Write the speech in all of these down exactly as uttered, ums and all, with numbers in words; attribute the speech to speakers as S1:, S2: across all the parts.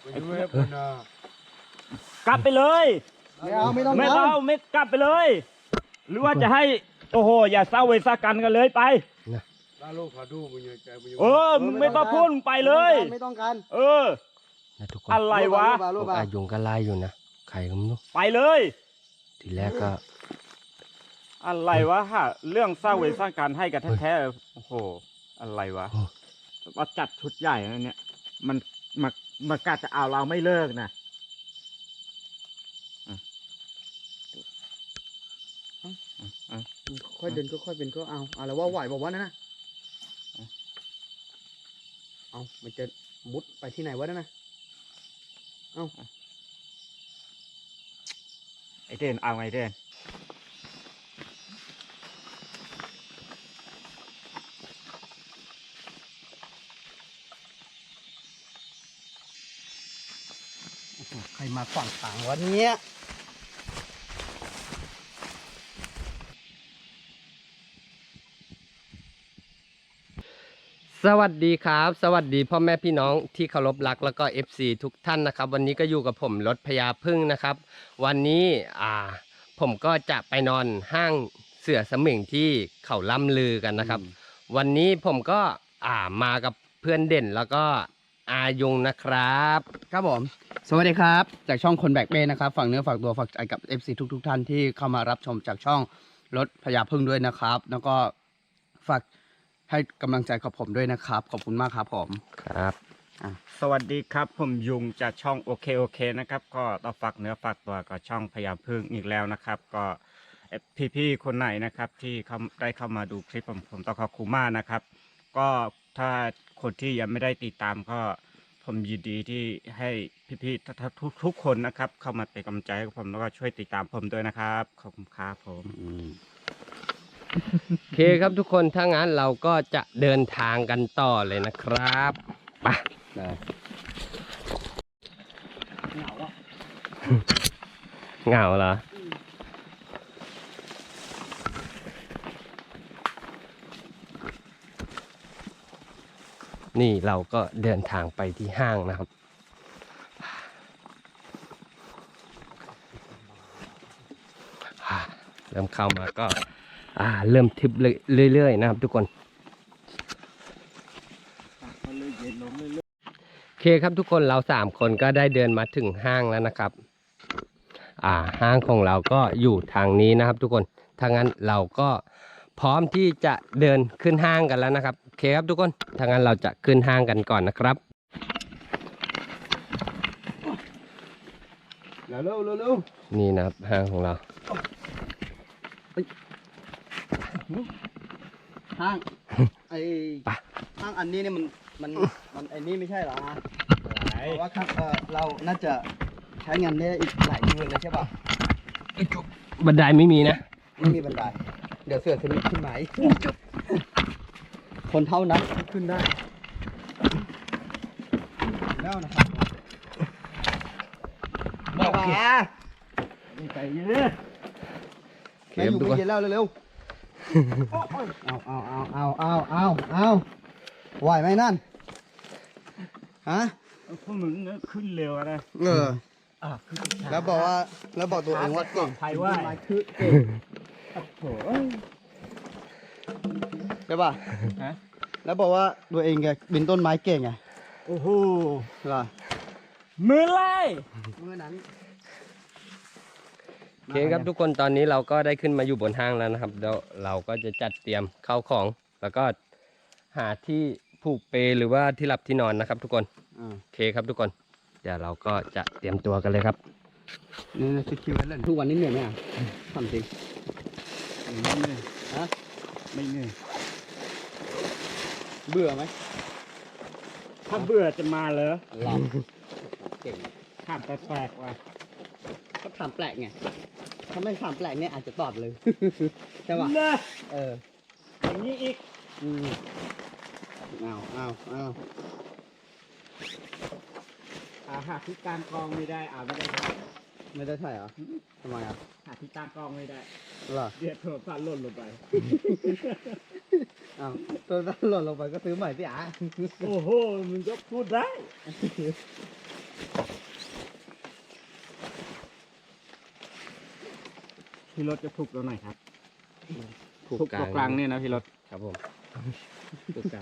S1: กลับไปเลย
S2: ไม่เอาไม่ต้อง
S1: ไม่เอาไม่กลับไปเลย หรือว่าจะให้โอ้โหอย่าเศร้าเวซากันกันเลยไปเออมึงไม่ต้องพูดไปเลย
S2: ไม่ต้องการ
S1: เออ
S3: ทุกคน
S1: อะไรวะ
S3: พวกอายุงก็ไล่อยู่นะใครก็ไม่รู้
S1: ไปเลย
S3: ทีแรกก็
S1: อะไรวะฮะเรื่องสร้างเวรสร้างการให้กันแท้ๆโอ้โหอะไรวะว่าจัดชุดใหญ่นะเนี่ยมันมามากาจะเอาเราไม่เลิกนะ
S2: ค่อยเดินก็ค่อยเป็นก็เอาอะไรว่าไหวบอกว่านั่นนะเอามันจะมุดไปที่ไหนวะนั่นนะเอา
S1: ไอเดนเอาไงเดน
S2: ใครมาขวางทางวะเนี่ย
S3: สวัสดีครับสวัสดีพ่อแม่พี่น้องที่เคารพรักแล้วก็ เอฟ ซี ทุกท่านนะครับวันนี้ก็อยู่กับผมรถพญาพึ่งนะครับวันนี้อ่าผมก็จะไปนอนห้างเสือสมิงที่เขาล่ำลือกันนะครับวันนี้ผมก็อ่ามากับเพื่อนเด่นแล้วก็อายุงนะครับ
S2: ครับผมสวัสดีครับจากช่องคนแบกเบ้นะครับฝากเนื้อฝากตัวฝากใจกับ เอฟ ซี ทุกทุกท่านที่เข้ามารับชมจากช่องรถพญาพึ่งด้วยนะครับแล้วก็ฝากให้กำลังใจกับผมด้วยนะครับขอบคุณมากครับผม
S3: ครับ
S1: สวัสดีครับผมยุงจากช่องโอเคโอเคนะครับก็ต้องฝากเนื้อฝากตัวกับช่องพญาพึ่งอีกแล้วนะครับก็พี่ๆคนไหนนะครับที่เขาได้เข้ามาดูคลิปผมผมต้องขอบคุณมากนะครับก็ถ้าคนที่ยังไม่ได้ติดตามก็ผมยินดีที่ให้พี่ๆทุกทุกคนนะครับเข้ามาเป็นกำลังใจให้ผมแล้วก็ช่วยติดตามผมด้วยนะครับขอบคุณครับผม
S3: โอเคครับทุกคนถ้างั้นเราก็จะเดินทางกันต่อเลยนะครับไปเหงาอ่ะเหงาเหรอนี่เราก็เดินทางไปที่ห้างนะครับเริ่มเข้ามาก็อ่าเริ่มทิปเรื่อยๆนะครับทุกคนโอเคครับทุกคนเราสามคนก็ได้เดินมาถึงห้างแล้วนะครับอ่าห้างของเราก็อยู่ทางนี้นะครับทุกคนถ้างั้นเราก็พร้อมที่จะเดินขึ้นห้างกันแล้วนะครับโอเคครับทุกคนถ้างั้นเราจะขึ้นห้างกันก่อนนะครับ
S2: เร็วเร็วเร็ว
S3: นี่นะครับห้างของเรา
S2: ห้างไอห้างอันนี้เนี่ยมันมันมันไอนี่ไม่ใช่เหรอเพราะว่าครับเออเราน่าจะใช้งานได้อีกหลายเดือนเลยใช่ป่ะ
S3: บันไดไม่มีนะ
S2: ไม่มีบันไดเดี๋ยวเสือขึ้นขึ้นไหมคนเท่านั้นขึ้นได้แล้วนะครับบอกแก
S1: ใจเย็น
S2: แม่อยู่ไม่เย็นแล้วเร็วๆเอาเอาเอาเอาเอาเอาเอาไหวไหมนั่นฮะ
S1: พวกมึงขึ้นเร็วนะ
S2: เออแล้วบอกว่าแล้วบอกตัวเองว่าเก่ง
S1: ใครว่า
S2: คือเก่งโถ่ใช่ป่ะฮะแล้วบอกว่าตัวเองแกบินต้นไม้เก่งไง
S1: โอ้โห
S2: ล่ะ
S1: มือไล่
S2: มือนั้น
S3: โอเคครับทุกคนตอนนี้เราก็ได้ขึ้นมาอยู่บนห้างแล้วนะครับเดี๋ยวเราก็จะจัดเตรียมเข้าของแล้วก็หาที่ผูกเปหรือว่าที่หลับที่นอนนะครับทุกคนโอเคครับทุกคนเดี๋ยวเราก็จะเตรียมตัวกันเลยครับ
S2: นี่คิดคิวเล่นทุกวันนี้เหนื่อยไหมอ่ะทำจริง
S1: ไม่เหนื่อยฮะไม่เหนื่อย
S2: เบื่อไหม
S1: ถ้าเบื่อจะมาเหรอ
S2: หลับเก่ง
S1: ถามแปลกๆว่ะ
S2: ก็ถามแปลกไงถ้าไม่ถามแปลกเนี่ยอาจจะตอบเลยใช่ป่ะเออ
S1: อย่างนี้อีก
S2: อืมเอาเอาเอา
S1: อาหาที่การกองไม่ได้อ่าไม่ได้
S2: ไม่ได้ใช่เหรอทำไมอ่ะ
S1: หาที่การกองไม่ได้
S2: หรอ
S1: เดี๋ยวโทรศัพท์หล่นลงไป
S2: อ้าวโทรศัพท์หล่นลงไปก็ซื้อใหม่สิอ่ะ
S1: โอ้โหมึงก็พูดได้พี่รถจะถูกตัวไหนครับ
S3: ถูก
S1: ถูกตัวกลางเนี่ยนะพี่รถ
S3: ครับผมถูกกลาง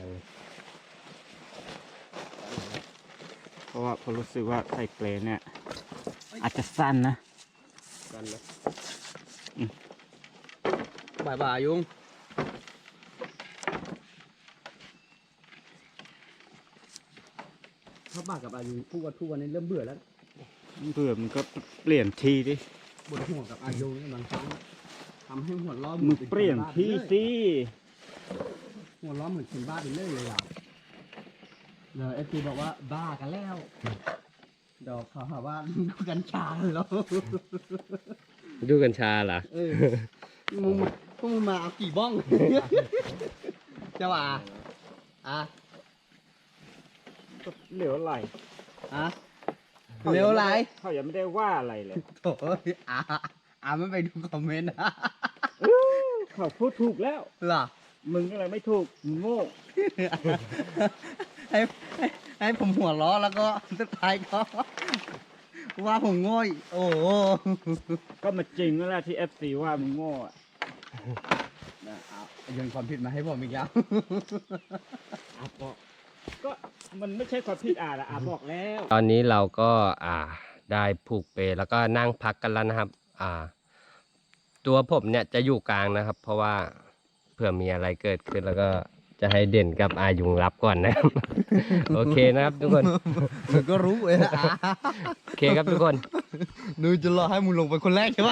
S1: เพราะว่าผมรู้สึกว่าไทเกรเนี่ย อาจจะสั้นนะ
S3: กันนะ
S2: บ่ายบ่ายยุงถ้าบ่ากับอายุทุกวันทุกวันนี้เริ่มเบื่อแล้ว
S1: เบื่อมันก็เปลี่ยนที่ดิ
S2: บนหัวกับอายุนี่บางครั้งทำให้หัวล้อ
S1: มึงเปลี่ยนที่สิ
S2: หัวล้อเหมือนคนบ้าไปเรื่อยเลยอ่ะเดี๋ยวเอฟซีบอกว่าบ้ากันแล้วเดี๋ยวเขาหาว่าดูกัญชาแล้ว
S3: ดูกัญชาเหรอ
S2: เออมึงมาพวกมึงมาเอากี่บ้อง เจ้าอ่ะอ่ะ
S1: ก็เหลวไหล
S2: อ่ะเร็วไร
S1: เขายังไม่ได้ว่าอะไรเลย
S2: โถ่อ่ะอ่ะไม่ไปดูคอมเมนต์นะ
S1: เขาพูดถูกแล้ว
S2: เหรอ
S1: มึงอะไรไม่ถูกมึงโง่
S2: ให้ให้ให้ผมหัวล้อแล้วก็สุดท้ายก็ ว่าผมโง่อีกโอ้โห
S1: ก็มาจริงแล้วแหละที่เอฟซีว่ามึงโง่อะ
S2: นะเอาโยนความผิดมาให้ผมอีกแล้ว
S1: อาบอกก็มันไม่ใช่ความผิดอาละอาบอกแล้ว
S3: ตอนนี้เราก็อ่าได้ผูกเปลแล้วก็นั่งพักกันแล้วนะครับ อ่า ตัวผมเนี่ยจะอยู่กลางนะครับ เพราะว่าเผื่อมีอะไรเกิดขึ้นแล้วก็จะให้เด่นกับอายุงรับก่อนนะครับ โอเคนะครับทุกคน
S2: มึงก็รู้เว้ยนะอ่ะ
S3: โอเคครับทุกคน
S2: นูจะรอให้มึงลงไปคนแรกใช่ไหม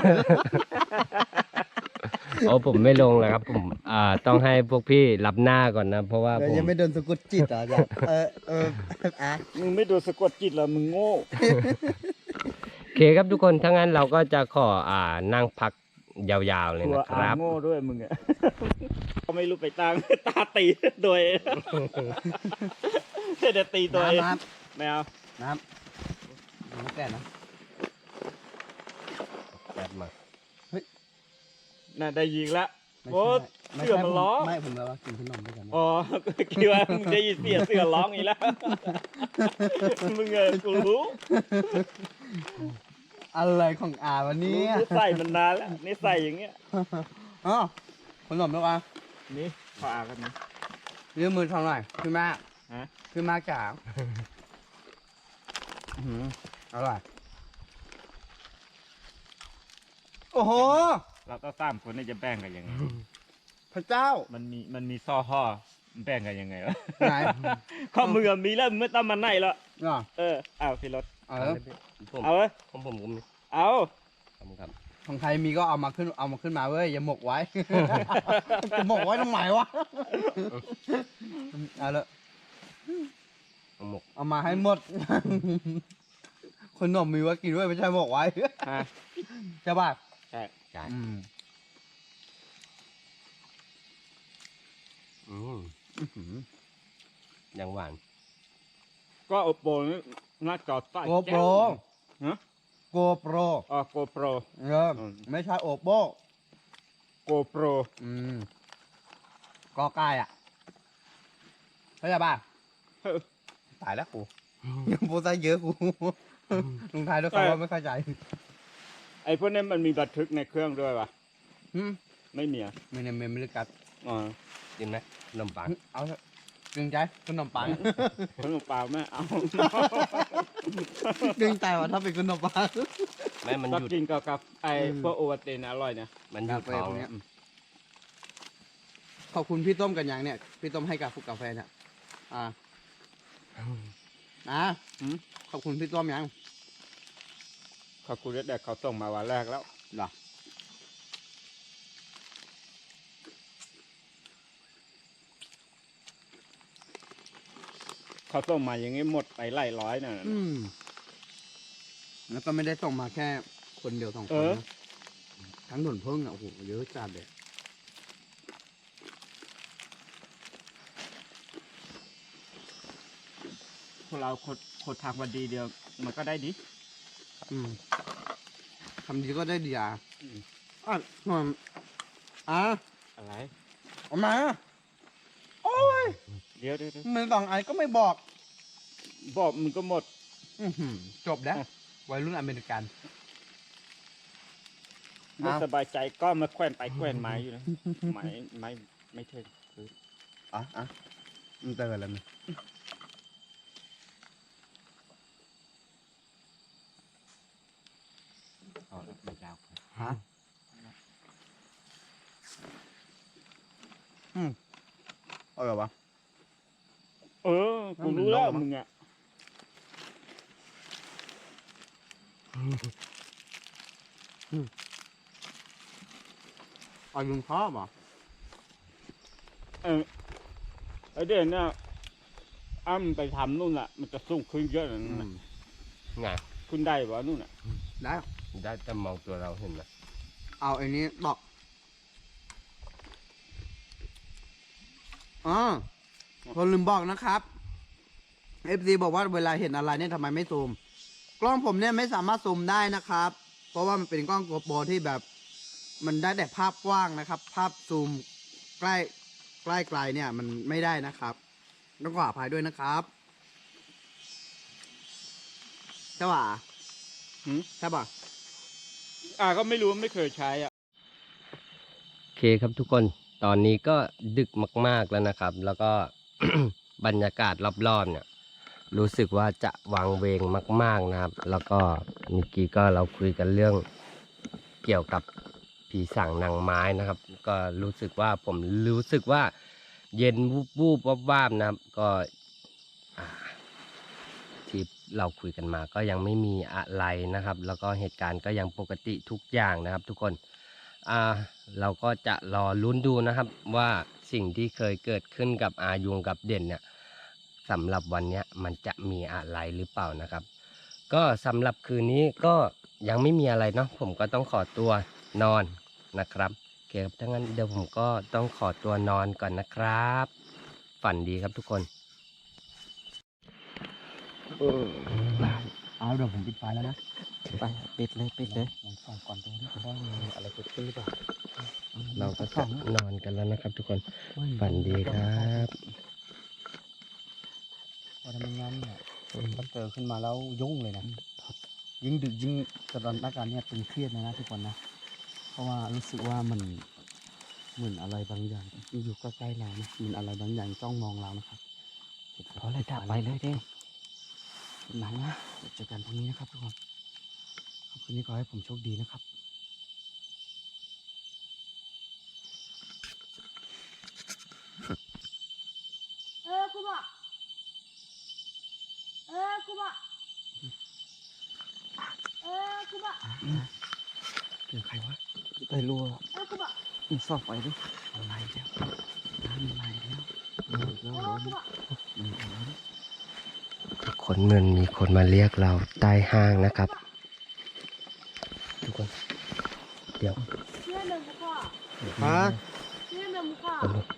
S3: โอ้ผมไม่ลงแล้วครับ ผมอ่าต้องให้พวกพี่รับหน้าก่อนนะ เพราะว่า
S2: เดี๋ย
S3: ผ
S2: ว
S3: ม
S2: ยังไม่โดนสะกดจิตอ่ะจ้ะเออเอออ่ะ
S1: มึงไม่โดนสะกดจิตเหรอมึงโง่
S3: โอเคครับทุกคนถ้างั้นเราก็จะขออ่านั่งพักยาวๆเลย
S1: ตัว
S3: นะค
S1: อา
S3: รับ
S1: โง่ด้วยมึงอะ เขาไม่รู้ไปตัง ตาตีโดย เดี๋ยวตีตัวเอง
S2: น้ำน้
S1: ไม่เอา
S2: ำน้ำน้ำแก่นะ
S3: แป๊บมา
S1: น่าได้ยิงละ
S2: ไม่
S1: โอ้
S2: ใช่ไม่
S1: เสือ
S2: ใช่
S1: มัน
S2: ผม
S1: ร้อง
S2: ไม่ผมแล้วว่ากินขนมด้วยกันนะ
S1: อ๋อ คิดว่ามึงได้ยินเสียงเสือร้องอีกแล้ว มึงเออกูรู้
S2: อะไรของอาวันนี้
S1: รู้นิสัยมันนานแล้วนิสัยอย่างเงี้ย
S2: อ๋อขนมด้วยกัน
S1: นี่ขออ่านกันนะ
S2: ยืมมือทำหน่อยพี่มาก
S1: ฮะ
S2: พี่มากจ๋าอื้อหืออร่อยโอ้โห
S1: เราก็สามคนนี่จะแบ่งกันยังไง
S2: พระเจ้า
S1: มันมีมันมีซ่อห่อแบ่งกันยังไงวะ
S2: ไหน
S1: ข้อมือมีแล้วมึงไม่ต้องมาไหนหรอก
S2: อ่ะ
S1: เออเอาพี่รถ
S2: เออ
S3: ผม
S1: เอาเว้ย
S3: ผมผมผมมี
S1: เอา
S3: ขอบคุณครับ
S2: ของใครมีก็เอามาขึ้นเอามาขึ้นมาเว้ยอย่าหมกไว้ จะหมกไว้ตรงไหนวะเอาละ
S3: เอาหมก
S2: เอามาให้หมด ขนมมีไว่ากินด้วยไม่ใช่หมกไว้
S1: ฮะ
S2: ใช่ป่ะ
S1: ใช่
S3: จ่าย
S2: อืม
S3: อืม
S2: อื้อหือ
S3: ยังหวาน
S1: ก็โอโปนี่หน้าจอใต้
S2: โกโปร
S1: ฮะ
S2: โกโปร
S1: อ๋อโกโปร
S2: เออไม่ใช่โอโป
S1: โกโปร
S2: อืมกอไก่อ่ะเข้าใจป่ะ
S1: เออ
S2: ตายแล้วกู ยังโปรไซเยอะกู ลงท้ายด้วยคำว่าไม่เข้าใจ
S1: ไอ้พวกนี้มันมีบันทึกในเครื่องด้วยปะ
S2: อืม
S1: ไม่มีอ่ะ
S2: ไม่ในเมมไม่ได้กัด
S1: อ๋อ
S3: กินไหมขนมปัง
S2: เอาเถอะเกรงใจขนมปัง
S1: ขนมปังแม่เอา
S2: เกรงใจว่าถ้าเป็นขนมปัง
S3: แม่มัน
S1: ก็
S3: หยุด
S1: กินกับกับไอ้
S2: อืม
S1: พวกโอวัลตินอร่อยเนี่ย
S3: มันหยุด
S2: กาแฟ
S3: ท้อง
S2: พวกเนี้ย ขอบคุณพี่ต้มกันยังเนี่ย พี่ต้มให้กับฟุกกาแฟเนี่ย อ่านะ
S1: หืม
S2: ขอบคุณพี่ต้มยัง
S1: ขอบคุณแต่เขาส่งมาวันแรกแล้ว
S2: เหรอ
S1: เขาส่งมาอย่างงี้หมดไปไล่ร้อยน่ะ
S2: อืม แล้วก็ไม่ได้ส่งมาแค่คนเดียวสองค
S1: เอน อ
S2: นะทั้งหนุนเพิ่งอ่ะโอ้โหเยอะจัดเลย
S1: พวกเราคนคนทางวันดีเดียว มันก็ได้ดิ
S2: อืมทำดีก็ได้ดีอ่ะ
S1: อืม
S2: อ่ะหน่อยอ่ะ
S1: อะไร
S2: เอามาโอ้ย
S1: เดี๋ยวเดี๋ยวเดี๋ยว
S2: มันสองอันก็ไม่บอก
S1: บอกมึงก็หมด
S2: ออื้อหือจบแล้ววัยรุ่นอเมริกัน
S1: ไม่สบายใจก็มาแขวนไปแขวนมาอยู่นะไม้ไม้ไม่เทินคือ
S2: อ่ะอ่ะมันเตือนแล้วนะ
S1: เอาแล้วไม่ยาว
S2: ฮะอืมเอาเหรอวะ
S1: เออกูรู้แล้วมึงอ่ะ
S2: เอาลุงชอบเหรอ
S1: เออไอเด่นเนี่ยอ้ำไปทำนู่นอ่ะ มันจะสูงขึ้นเยอะนะ
S2: อืม
S3: ไง
S1: ขึ้นได้ปะนู่นอ่ะ
S2: ได้
S3: ได้แต่มองตัวเราเห็นไหม
S2: เอาไอ้นี้ตอกอ๋อคนลืมบอกนะครับ เอฟ ซี บอกว่าเวลาเห็นอะไรเนี่ยทำไมไม่ซูม กล้องผมเนี่ยไม่สามารถซูมได้นะครับ เพราะว่ามันเป็นกล้องโกโปรที่แบบ มันได้แต่ภาพกว้างนะครับ ภาพซูมใกล้ใกล้ไกลเนี่ย มันไม่ได้นะครับ ต้องขออภัยด้วยนะครับใช่ป่ะ
S1: หืม
S2: ใช่ป่ะ
S1: อ่าก็ไม่รู้ไม่เคยใช้อ่ะ
S3: โอเคครับทุกคนตอนนี้ก็ดึกมากๆแล้วนะครับ แล้วก็ บรรยากาศรอบๆเนี่ย รู้สึกว่าจะวังเวงมากๆนะครับ แล้วก็เมื่อกี้ก็เราคุยกันเรื่องเกี่ยวกับผีสางนางไม้นะครับ ก็รู้สึกว่าผมรู้สึกว่าเย็นวูบวูบวับวาบนะครับ ก็อ่าที่เราคุยกันมาก็ยังไม่มีอะไรนะครับ แล้วก็เหตุการณ์ก็ยังปกติทุกอย่างนะครับ ทุกคนอ่าเราก็จะรอลุ้นดูนะครับ ว่าสิ่งที่เคยเกิดขึ้นกับอายุงกับเด่นเนี่ยสำหรับวันเนี้ยมันจะมีอะไรหรือเปล่านะครับ ก็สำหรับคืนนี้ก็ยังไม่มีอะไรเนาะผมก็ต้องขอตัวนอนนะครับโอเคครับถ้างั้นเดี๋ยวผมก็ต้องขอตัวนอนก่อนนะครับ ฝันดีครับทุกคน
S2: เอาเดี๋ยวผมปิดไฟแล้วนะ
S1: ไปปิดเลยปิดเลย
S2: ลองส่องก่อนตรงนี้ว่ามีอะไรเกิดขึ้นหรือเปล่า
S3: เราก็จะนอนกันแล้วนะครับ ทุกคนฝันดีครับ
S2: พอทำงานเนี่ยถ้าเจอขึ้นมาแล้วยุ่งเลยนะยิ่งดึกยิ่งสถานการณ์เนี่ยตึงเครียดนะนะทุกคนนะ เพราะว่ารู้สึกว่ามันเหมือนอะไรบางอย่างอยู่ใกล้ๆเรานะเหมือนอะไรบางอย่างจ้องมองเรานะครับเพราะอะไรดับไปเลยเด้หนังนะเดี๋ยวเจอกันพรุ่งนี้นะครับทุกคนขอบคุณที่ขอให้ผมโชคดีนะครับ
S4: เออกูบอกเออกูบอกเออกูบอก
S2: เจอใครวะไปรัว
S4: เออกูบอก
S2: มึงซ่อมไฟดิอะไรแล้วน้ำอะไรแล้วแล้ว
S4: เอ
S2: แล้ว
S4: อ
S2: ร้อน
S4: กูบอก
S2: มันร้อน
S3: ทุกคนเหมือนมีคนมาเรียกเราใต้ห้างนะครับ ทุกคนเดี๋ยว
S4: เชื่อหนึ่งกูบอก
S2: ฮะ
S4: เชื่อหนึ่งกูบอก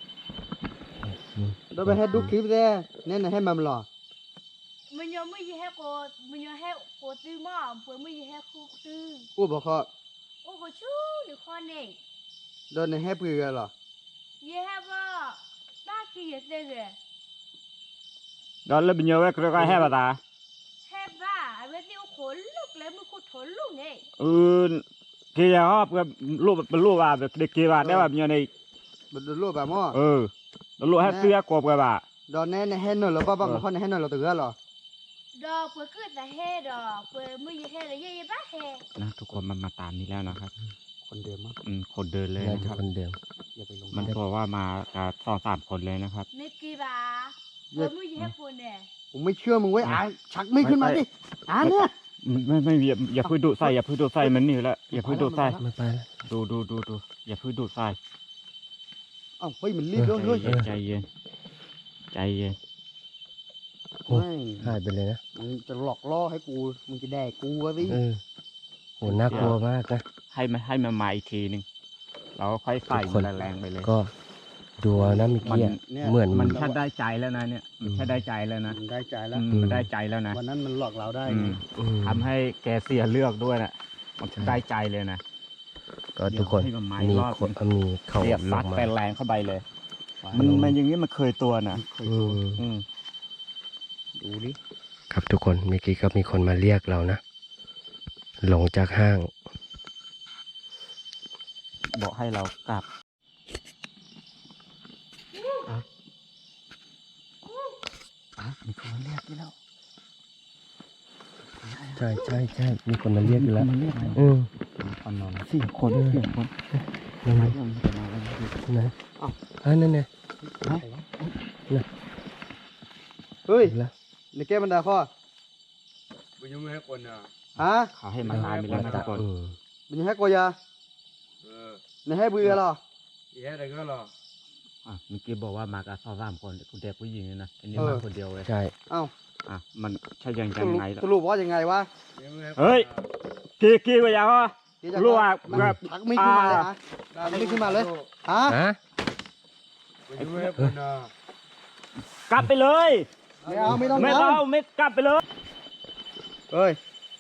S2: เราไปให้ดูคลิปเลยเนี่ยนะให้มันหล่อ
S4: มันยังไม่ยี่ให้กูมันยังให้กูตื้อมาเปิดไม่ยี่ให้กูตื้อ
S2: กูบอกเขา
S4: โอ้กูชู้หรือคนเนี่ย
S2: โดนในให้ปืนเหรอ
S4: ยี่ให้ว่าบ้าขี้ยี่เสียเลย
S1: đó là bao nhiêu cái cái hay bà ta
S4: ให้บ้าเวทีขนลุกเลยมึงกูทนลุกไง
S1: ừ kia hop cái lúaเป็นลúa bà để kia bà đấy bà bao nhiêu này
S2: บนรูปแบบมั่ว
S1: ừ nó lúa hết tia cột cái bà
S2: โดนแน่ในให้หน่อยหรือเปล่าบางคนในให้หน่อยเราตื่นหรอ
S4: ดอกเปิดขึ้นแต่ให้ดอกเปิดไม่ยี่ให้เลยยี่ยี่บ้าให้
S1: นะทุกคนมันมาตามนี้แล้วนะครับ
S2: คนเดิมมั้ง
S1: อืมคนเดินเลย
S3: น่า
S1: นะ
S3: จะ
S1: ครับ
S3: คนเดิม
S2: อย่าไปลง
S1: มันบอกว่ามากันสองสามคนเลยนะครับ
S4: นึกกี่บ้าเปิดไม่ยี่ให้กูเนี่ย
S2: ผมไม่เชื่อมึงไว้อ่านชักไม่ขึ้นมาดิอ่านเนี่ย
S1: ไม่ไม่อย่าอย่าเพิ่งดูดใส่อย่าเพิ่งดูดใส่มันนี่แหละอย่าเพิ่งดูดใส่
S3: ไม่ไปแล้ว
S1: ดูดูดูดูอย่าเพิ่งดูดใส่
S2: อ้าวเฮ้ยมันรีบด้วย
S1: ใจ
S2: เฮ้ย
S1: เย็นใจเย็นใจเย็น
S2: ไม่
S3: หายไปเลยนะ
S2: มึงจะหลอกล่อให้กูมึงจะแดกกูวะสิ
S3: เออโหน่ากลัวมากนะ
S1: ให้มันให้มันมาอีกทีหนึ่งเราก็ค่อยใส่
S3: ทุกคน
S1: มันแรงๆไปเลย
S3: ก็ดูเอานะเมื่อกี้อะ
S2: เนี่ย
S3: เหมือน
S1: มั
S3: มัน น
S1: แค่ได้ใจแล้วนะเนี่ยมันแค่ได้ใจแล้วนะ
S2: มันได้ใจแล้ว
S1: อืมมันได้ใจแล้วนะ
S2: วันนั้นมันหลอกเราได้
S1: อื
S2: ไง
S1: ม
S3: อืม
S1: ทำให้แกเสียเลือกด้วยน่ะมันได้ใจเลยนะ
S3: ก็ทุกคน
S1: เดี๋ยวให้มันมาอี
S3: มี
S1: กรอบ
S3: คนมีเขา
S1: เสียบ
S3: ล
S1: ซั
S3: ง
S1: ด
S3: มา
S1: ไปแรงเข้าไปเลย มันมันอย่างนี้มันเคยตัวน่ะ
S2: เคย
S3: อื
S2: ดู
S3: ม
S1: อืม
S2: ดูดิ
S3: ครับทุกคนเมื่อกี้ก็มีคนมาเรียกเรานะหลงจากห้าง
S1: บอกให้เรากลับอ่ะอ่ะมีคนมาเรียกที่แล้ว
S3: ใช่ใช่ใช่มีคนมาเรียกอยู่แล้ว
S1: มีคนมาเรียกแล้ว
S3: อืม
S1: คนนอนสี่คนสี่คน
S3: นั่นไง
S1: เรื่องจะมาแล้วนะ
S3: นะอ่านั่นไง
S2: เฮ้ย
S3: แล้ว
S2: ในแก้บรรดาข้อ
S5: บุญยังไม่ให้คนอ่ะ
S2: ฮะ
S1: เขาให้มาตายไปแล้วนะทุกคน
S3: อืม
S2: มันยังให้กวยา
S5: เออ
S2: ในให้บุยเหรอ
S5: อีแค่ไหนก็รอ
S1: อ่ะเมื่อกี้บอกว่ามากับสาวสามคนคุณเด็กผู้หญิงนี่นะอันนี้
S2: เออ
S1: มาคนเดียวเลย
S3: ใช่
S2: เอ้า
S1: อ่ะมันใช่ยัง
S2: ส
S1: ยัง
S2: รุป
S1: ไงล่ะ
S2: สรุปว่ายังไงวะ
S5: ยังไม่ให้คน
S1: เฮ้ย กี่กี่กว่าอย่างวะ
S2: เดี๋ยวจะ
S1: รู้ว่า
S2: มัน
S1: แบบ
S2: ชักมีดขึ้นมาเลยฮะชักมีดขึ้นมาเลยฮะ
S3: ฮะ
S5: บุญยังไม่ให้คนอ่ะ
S1: กลับไปเลย
S2: ไม่เอาไม่ต้อง
S1: ไม่
S2: ท
S1: เอาไม่กลับไปเลย
S2: ำเฮ้ย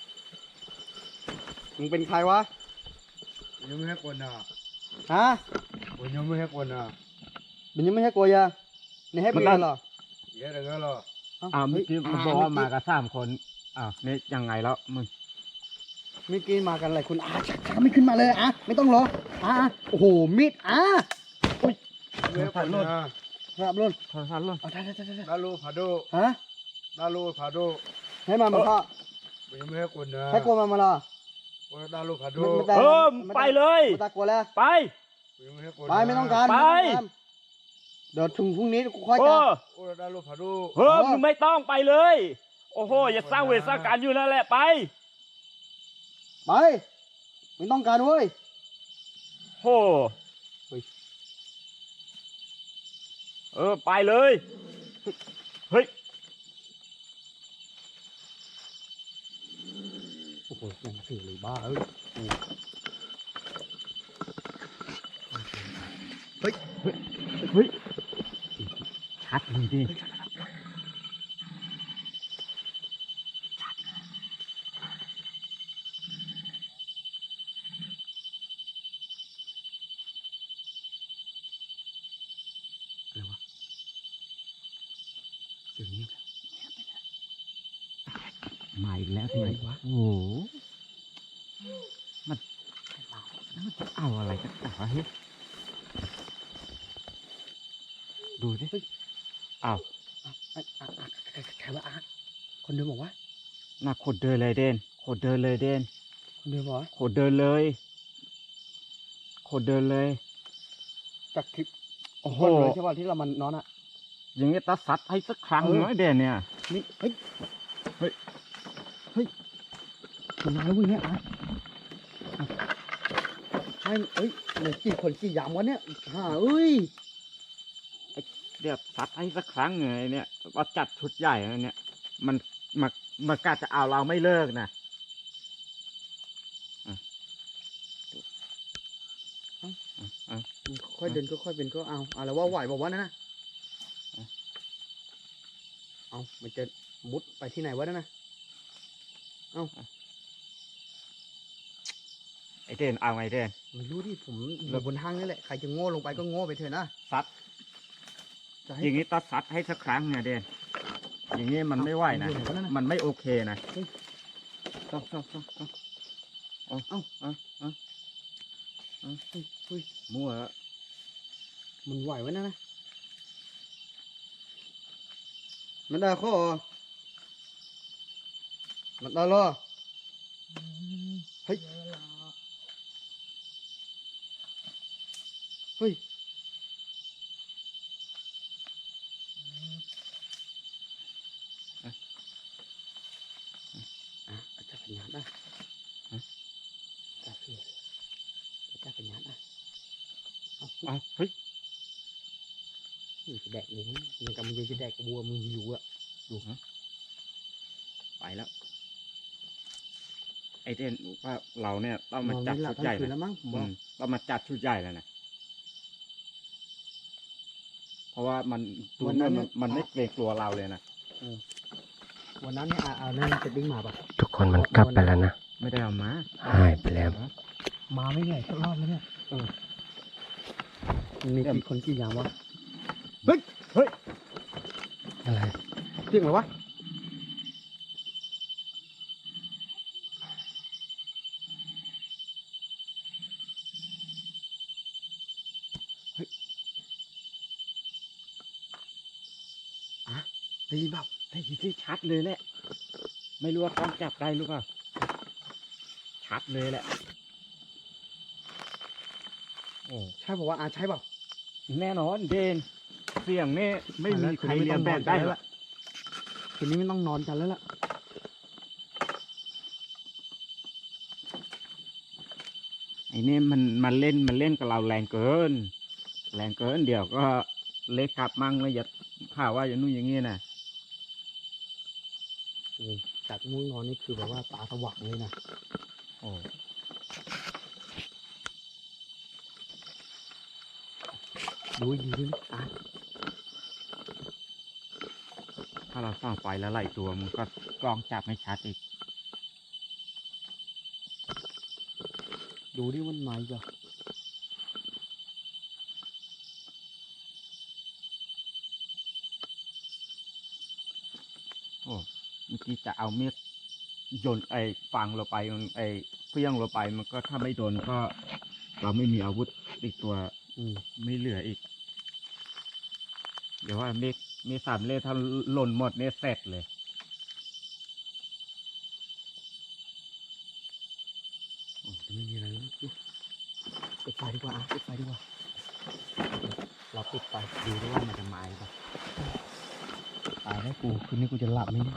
S2: มึงเป็นใครวะ
S5: บุญยังไม่ให้คนอ่ะ
S2: ฮะ
S5: บุญยังไม่ให้คนอ่ะ
S2: มันยังไม่ให้กวยาในให้บุยเหรอ
S5: อีแค่ไหนก็รอ
S1: อ่าเมื่อกี้มันบอกว่ามากับสามคนอ่าวนี่ยังไงแล้วมึง
S2: เมื่อกี้มากันอะไรคุณอาชักช้าไม่ขึ้นมาเลยอ่ะไม่ต้องรออ่ะโอ้โหมีดอ่ะ
S5: ไม่ให้คนอ่ะ
S2: ครับลุน
S1: โทรศัพท์ล่น
S2: เอาได้ได้ได้ได้
S5: ดาลูพาโด
S2: ฮะ
S5: ดาลูพาโด
S2: ให้มามาพ่อ
S5: บุญยังไม่ให้คนอ่ะ
S2: ให้กลัวมามาล่ะ
S5: ดาลูพาโด
S2: ไม่ได้
S1: เออไปเลย
S2: ไม่ตากลัวแล้ว
S1: ไป
S5: บุญยังไม่ให้คน
S2: ไปไม่ต้องการ
S1: ไป
S2: ม่ต้องการเดี๋ยวถึงพรุ่งนี้กูค่อย
S1: โอ้
S2: กลับ
S5: โอ้ดาลูพาโด
S1: เฮ้ยมึงไม่ต้องไปเลย โอ้โหอย่าสร้างเวรสร้างการอยู่นั่นแหละไป
S2: ไปไม่ต้องการเว้ย
S1: โอ้เออไปเลย เฮ้ย
S2: โอ้โหยังสื่อเลยบ้าเอ้ยเฮ้ย
S1: เฮ้ย ชัดเลยดิ อะไรวะเสียงนี้มาอีกแล้วทำไมวะ
S3: โอ้โห
S1: มันมันจะเอาอะไรกันต่อวะเฮ้ยดูดิอ้าว
S2: อ่ะอ่ะอ่ะอ่ะใครใครว่าอาร์ตคนเดิมบอกว่า
S1: น่าโคตรเดินเลยเด่นโคตรเดินเลยเด่น
S2: คนเดิมบอกว่า
S1: โคตรเดินเลยโคตรเดินเลย
S2: จากคลิป
S1: โอ้โห
S2: คนเลยใช่ป่ะที่เรามันนอนอ่ะ
S1: อย่างนี้ตาสัดให้สักครั้ง
S2: เออ
S1: หน่อยเด่นเนี่ย
S2: นี่เฮ้ย
S1: เฮ้ย
S2: เฮ้ยมันมาแล้วเว้ยเนี่ยอาร์ตอ่ะใช่เอ้ยเหลือกี่คนกี่ยามวะเนี่ยห่าเอ้ย
S1: เดี๋ยวสัดให้สักครั้งไงเนี่ยว่าจัดชุดใหญ่นะเนี่ย มันมันมันกล้าจะเอาเราไม่เลิกนะอ่ะอ่ะอ่ะ
S2: ค่อยเดินก็ค่อยเป็นก็เอาเอาแล้วว่าไหวบอกว่านั่นนะเอามันจะมุดไปที่ไหนวะนั่นนะ
S1: ไอเด่นเอาไงเด่น
S2: ไม่รู้ดิผมอยู่บนทางนี่แหละใครจะโง่ลงไปก็โง่ไปเถอะนะ
S1: ซัด
S2: จะ
S1: อ
S2: ให้
S1: ย่างนี้ต้องซัดให้สักครั้งไงเด่นอย่างนี้มันไม่ไหวนะ
S2: อยู่ไหนวะนั่นน่ะ
S1: มันไม่โอเคนะต้องต้องต้องต้องเอาเอาเอาเอาเอา
S2: เฮ้ยเฮ้ย
S1: มั่วแล้ว
S2: มันไหวไว้นะนะมันได้ข้อมันได้หรอเฮ้ยเฮ้ยอ่ะอาจจะเป็นงานได้ฮะจะเสียจะเป็นงานได้เอา
S1: เอาเฮ้ย
S2: มึงจะแดกหมูมึงกำลังจะแดกบัวมึงหิวอ่ะ
S1: ดูฮะไปแล้ว ไอเด่นว่าเราเนี่ยต้องมาจัด
S2: นอนไม่หลั
S1: ชุ
S2: บ
S1: ดใหญ่
S2: ทั้งคืน
S1: นะ
S2: แล้วมั้งผม
S1: อื
S2: ว่าม
S1: ต้องมาจัดชุดใหญ่แล้วนะเพราะว่ามันดูเนี่ยมันมันไม่เกรงกลัวเราเลยนะ
S2: วันนั้นเนี่ยอ่าเอานั่นจะดิ้งมาปะ
S3: ทุกคนมันกลับไปแล้วนะ
S1: ไม่ได้เอามา
S3: หายไปแล้ว
S2: มาไม่เหนื่อยสักรอบแล้วเนี่ยเออมีกี่คนกี่ยามวะเฮ้ยเฮ้ย
S3: อะไร
S2: เสียงอะไรวะได้ยินเปล่า
S1: ได้ยินที่ชัดเลยแหละไม่รู้ว่ากล้องจับได้หรือเปล่าชัดเลยแหละโอ้
S2: ใช่บอกว่าอาใช่เปล่า
S1: แน่นอนเดนเสียงนี่ไม่มีใครเรียนแบบได้หรอก
S2: คืนนี้ไม่ต้องนอนกันแล้วล่ะ
S1: ไอ้นี่มันมันเล่นมันเล่นกับเราแรงเกิน แรงเกินเดี๋ยวก็เล็กกลับมั่งแล้วอย่าข่าวว่าอย่างนู้นอย่างงี้นะ
S2: โอ้จากง่วงนอนนี่คือแบบว่าตาสว่างเลยนะ
S1: โอ้
S2: ดูดีด้วยนะอ่ะ
S1: ถ้าเราส่องไฟแล้วไหลตัวมันก็กล้องจับไม่ชัดอีก
S2: ดูดิมันมาอีกอ่ะ
S1: โอ้เมื่อกี้จะเอาเมีดโยนไอ้ฟังเราไปมันไอ้เพี้ยงเราไปมันก็ถ้าไม่โดนก็เราไม่มีอาวุธอีกตัว
S2: อืม
S1: ไม่เหลืออีก เดี๋ยวว่าเมฆมีสามเล่ถ้าหล่นหมดเนี่ยเสร็จเลย
S2: โอ้แต่ไม่มีอะไรแล้วดูปิดไฟดีกว่าอ่ะปิดไฟดีกว่า เราปิดไฟดูด้วยว่ามันจะมาหรือเปล่าตายแล้วกูคืนนี้กูจะหลับไหมเนี่ย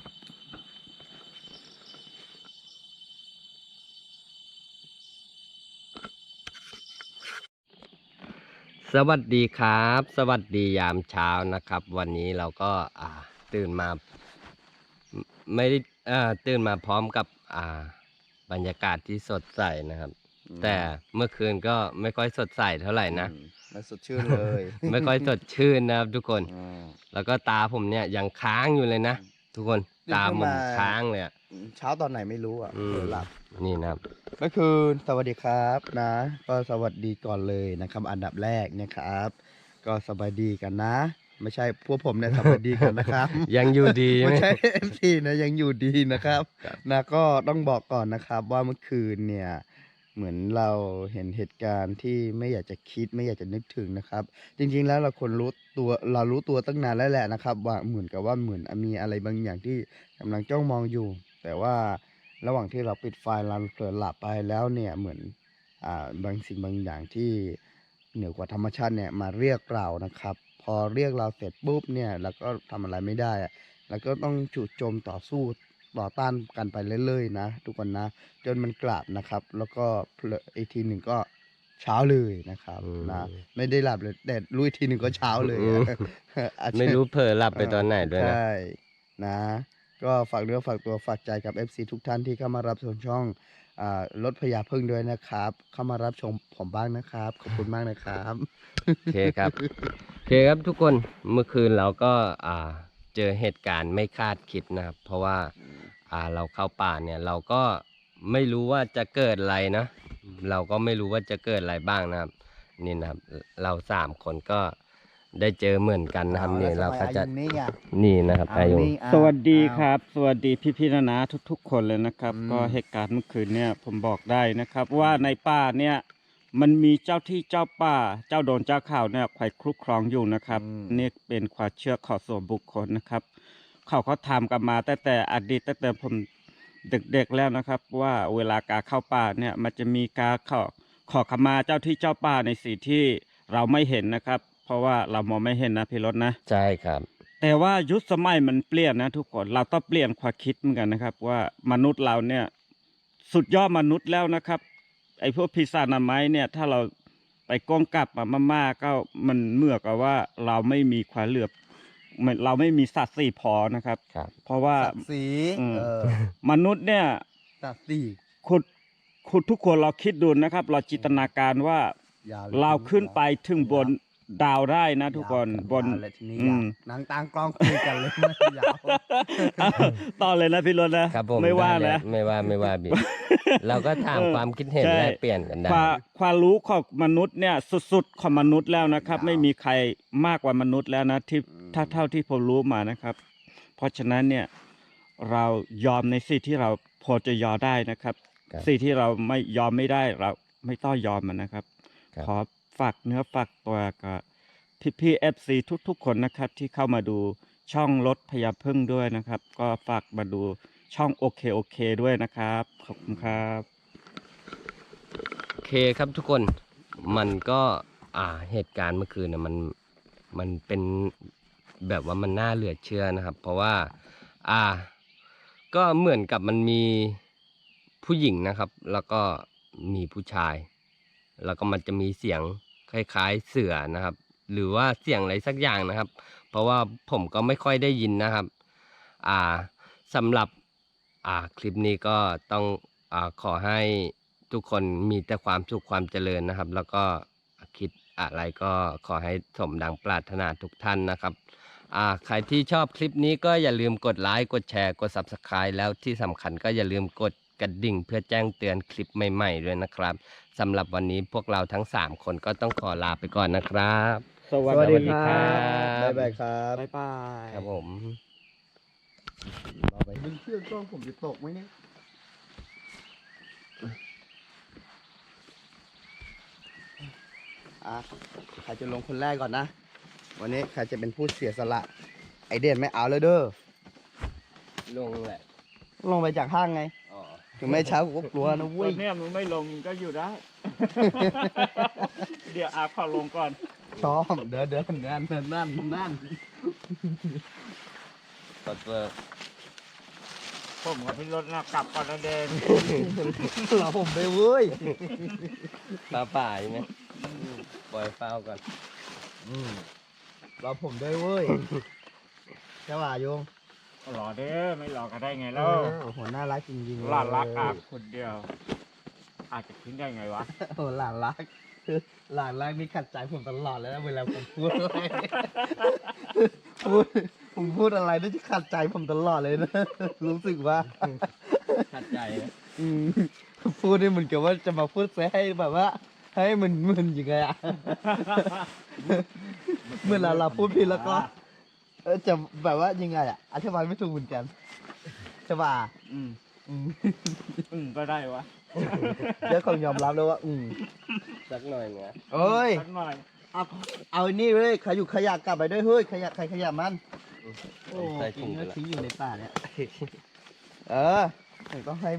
S3: สวัสดีครับ สวัสดียามเช้านะครับ วันนี้เราก็อ่าตื่นมาไม่ได้อ่าตื่นมาพร้อมกับอ่าบรรยากาศที่สดใสนะครับ แต่เมื่อคืนก็ไม่ค่อยสดใสเท่าไหร่นะ
S2: มันสดชื่นเลย
S3: ไม่ค่อยสดชื่นนะครับทุกคน
S2: อ่า
S3: แล้วก็ตาผมเนี่ยยังค้างอยู่เลยนะทุกคน
S2: ตื่น
S3: ตา
S2: ขึ้น
S3: ผม
S2: มา
S3: ค้างเลยอะ
S2: เช้าตอนไหนไม่รู้อ่ะ
S3: อืม
S2: เผลอหลับ
S3: นี่นะครับ
S2: ก็คือสวัสดีครับนะ ก็สวัสดีก่อนเลยนะครับ อันดับแรกนะครับ ก็สบายดีกันนะ ไม่ใช่พวกผมเนี่ยสบายดีกันนะครับ
S3: ยังอยู่ดีไหม
S2: ไม่ใช่ เอฟ ซี นะยังอยู่ดีนะครับนะก็ต้องบอกก่อนนะครับว่าเมื่อคืนเนี่ยเหมือนเราเห็นเหตุการณ์ที่ไม่อยากจะคิดไม่อยากจะนึกถึงนะครับ จริงๆแล้วเราควรรู้ตัวเรารู้ตัวตั้งนานแล้วแหละนะครับ ว่าเหมือนกับว่าเหมือนมีอะไรบางอย่างที่กำลังจ้องมองอยู่ แต่ว่าระหว่างที่เราปิดไฟเราเผลอหลับไปแล้วเนี่ยเหมือนอ่าบางสิ่งบางอย่างที่เหนือกว่าธรรมชาติเนี่ยมาเรียกเรานะครับ พอเรียกเราเสร็จปุ๊บเนี่ยเราก็ทำอะไรไม่ได้อะ แล้วก็ต้องจู่โจมต่อสู้ต่อต้านกันไปเรื่อยๆนะทุกคนนะ จนมันกลับนะครับ แล้วก็เพลออีกทีหนึ่งก็เช้าเลยนะครับ
S3: อืม
S2: นะไม่ได้หลับเลยแต่รู้อีกทีหนึ่งก็เช้าเลยอะอาจจะ
S3: ไม่รู้เผลอหลับไปตอนไหนด้วยนะ
S2: ใช่นะ ก็ฝากเนื้อฝากตัวฝากใจกับ เอฟ ซี ทุกท่านที่เข้ามารับชมช่องอ่ารถพญาพึ่งด้วยนะครับ เข้ามารับชมผมบ้างนะครับ ขอบคุณมากนะครับ
S3: โอเคครับ โอเคครับทุกคนเมื่อคืนเราก็อ่าเจอเหตุการณ์ไม่คาดคิดนะครับ เพราะว่าอ่าเราเข้าป่าเนี่ยเราก็ไม่รู้ว่าจะเกิดอะไรนะ เราก็ไม่รู้ว่าจะเกิดอะไรบ้างนะครับ นี่นะครับ เราสามคนก็ได้เจอเหมือนกันนะครับนี่เราก็จะนี่นะครับอายุ
S1: สวัสดีครับ สวัสดีพี่พี่นานาทุกๆ คนเลยนะครับ
S2: อืม
S1: ก็เหตุการณ์เมื่อคืนเนี่ยผมบอกได้นะครับ ว่าในป่าเนี่ยมันมีเจ้าที่เจ้าป่า เจ้าโดนเจ้าข่าวเนี่ยคอยคลุกครองอยู่นะครับ
S2: อืม
S1: นี่เป็นความเชื่อของส่วนบุคคลนะครับ เขาเขาทำกันมาตั้งแต่อดีตตั้งแต่ผมเด็กๆแล้วนะครับ ว่าเวลาการเข้าป่าเนี่ยมันจะมีการขอขอขมาเจ้าที่เจ้าป่าในสิ่งที่เราไม่เห็นนะครับ เพราะว่าเรามองไม่เห็นนะพี่รถนะ
S3: ใช่ครับ
S1: แต่ว่ายุคสมัยมันเปลี่ยนนะทุกคนเราต้องเปลี่ยนความคิดเหมือนกันนะครับ ว่ามนุษย์เราเนี่ยสุดยอดมนุษย์แล้วนะครับ ไอ้พวกพิศาจนาไม้เนี่ยถ้าเราไปก้องกลับมามากๆก็มันเมื่อกับว่าเราไม่มีความเหลือบเหมือนเราไม่มีสัตว์สี่พอนะครับ
S3: ครับ
S1: เพราะว่า
S2: ศักดิ์ศรี
S1: อืม
S2: เออ
S1: มนุษย์เนี่ย
S2: ศักดิ์ศรี
S1: คุณคุณทุกคนเราคิดดูนะครับ เราจินตนาการว่า
S2: ยาว
S1: เราขึ้นไปถึงบนดาวได้นะทุกคนบน
S2: ยาวเลยทีนี้
S1: อื
S2: ยาว
S1: ม
S2: นางตางกล้องคุยกันเลยไม่ยาว
S1: ต่อเลยนะพี่รถนะครับ
S3: ผม
S1: ไม่ว่า
S3: ด้เลย
S1: นะ
S3: ไม่ว่าไม่ว่าบิ เราก็ถาม
S1: เออ
S3: ความคิดเห็น
S1: ใช่
S3: แลกเปลี่ยนกันได้
S1: ความความรู้ของมนุษย์เนี่ยสุดๆของมนุษย์แล้วนะครับ ไม่มีใครมากกว่ามนุษย์แล้วนะที่ถ้าเท่าที่ผมรู้มานะครับ เพราะฉะนั้นเนี่ยเรายอมในสิ่งที่เราพอจะยอมได้นะครับ
S3: ครับ
S1: สิ่งที่เราไม่ยอมไม่ได้เราไม่ต้องยอมมันนะครับ
S3: ครับ
S1: ขอฝากเนื้อฝากตัวกับพี่พี่เอฟซีทุกๆ คนนะครับ ที่เข้ามาดูช่องรถพญาพึ่งด้วยนะครับ ก็ฝากมาดูช่องโอเคโอเคด้วยนะครับขอบคุณครับ
S3: โอเคครับทุกคนมันก็อ่าเหตุการณ์เมื่อคืนนะมันมันเป็นแบบว่ามันน่าเหลือเชื่อนะครับ เพราะว่าอ่าก็เหมือนกับมันมีผู้หญิงนะครับ แล้วก็มีผู้ชาย แล้วก็มันจะมีเสียงคล้ายๆเสือนะครับ หรือว่าเสียงอะไรสักอย่างนะครับ เพราะว่าผมก็ไม่ค่อยได้ยินนะครับอ่าสำหรับอ่าคลิปนี้ก็ต้องอ่าขอให้ทุกคนมีแต่ความสุขความเจริญนะครับ แล้วก็คิดอะไรก็ขอให้สมดังปรารถนาทุกท่านนะครับอ่าใครที่ชอบคลิปนี้ก็อย่าลืมกดไลค์กดแชร์กด ซับสไครบ์ แล้วที่สำคัญก็อย่าลืมกดกระดิ่งเพื่อแจ้งเตือนคลิปใหม่ๆด้วยนะครับสำหรับวันนี้พวกเราทั้งสามคนก็ต้องขอลาไปก่อนนะครับ
S1: สวัสดีครับ
S2: บ๊ายบายครับ
S1: บ๊ายบาย
S3: ครับผม
S2: เราไปดึงเชือกกล้องผมจะตกไหมเนี่ยอ่ะใครจะลงคนแรกก่อนนะ วันนี้ใครจะเป็นผู้เสียสละ ไอเด่นไม่เอาเลยเด้อ
S3: ลงแหละ
S2: ลงไปจากห้างไง
S3: อ๋อ
S2: ถึงไม่เช้ากูก็กลัวนะ
S1: ต
S2: เว้
S1: อย นเนี้ยมึงไม่ลงมึงก็อยู่ได้ เดี๋ยวอาขอลงก่อน
S2: ชอบเดินเดินนั่นนั่นนั่นนั่น
S3: กดเวิร์ก
S1: ผมกับพี่รถนะกลับก่อนนะเดน
S2: เราผมไปเว้ย
S3: ปลาป่าใช่ไหมปล่อยเฝ้าก่อน
S2: เราผมด้วยเว้ยใช่ป่ะโยง
S1: หล่อเด้อไม่หล่อก็ได้ไงแล้ว
S2: โอ้โหน่ารักจริงๆ
S1: หลานรักอาคนเดียว อาจจะคิดได้ไงวะ
S2: โอ้หลานรักคือหลานรักนี่ขัดใจผมตลอดเลยนะเวลาผมพูดอะไรพูดผมพูดอะไรนี่จะขัดใจผมตลอดเลยนะ รู้สึกว่า
S3: ขัดใจนะ
S2: อืมพูดนี่เหมือนกับว่าจะมาพูดซะให้แบบว่า ให้มันมึนยังไงอะ เมื่อเราเราพูดผิดแล้วก็เออจะแบบว่ายังไงอะอธิบายไม่ถูกเหมือนกันใช่ป่ะ
S1: อืม
S2: อืม
S1: อืมก็ได้วะ
S2: เดี๋ยวคงยอมรับแล้วว่า อืม
S3: สักหน่อยนะ
S2: เอ้ย
S1: สักหน่อย
S2: เอาเอาไอ้นี่เลยขยุกขยะกลับไปด้วยเฮ้ยขยะใครขยะมันโอ้
S3: ใส่
S2: กิ
S3: ถุ
S2: น
S3: งไป
S2: เนื้อ
S3: ละ
S2: ทิ้งอยู่ในป่าเนี่ย เออผมต้องให้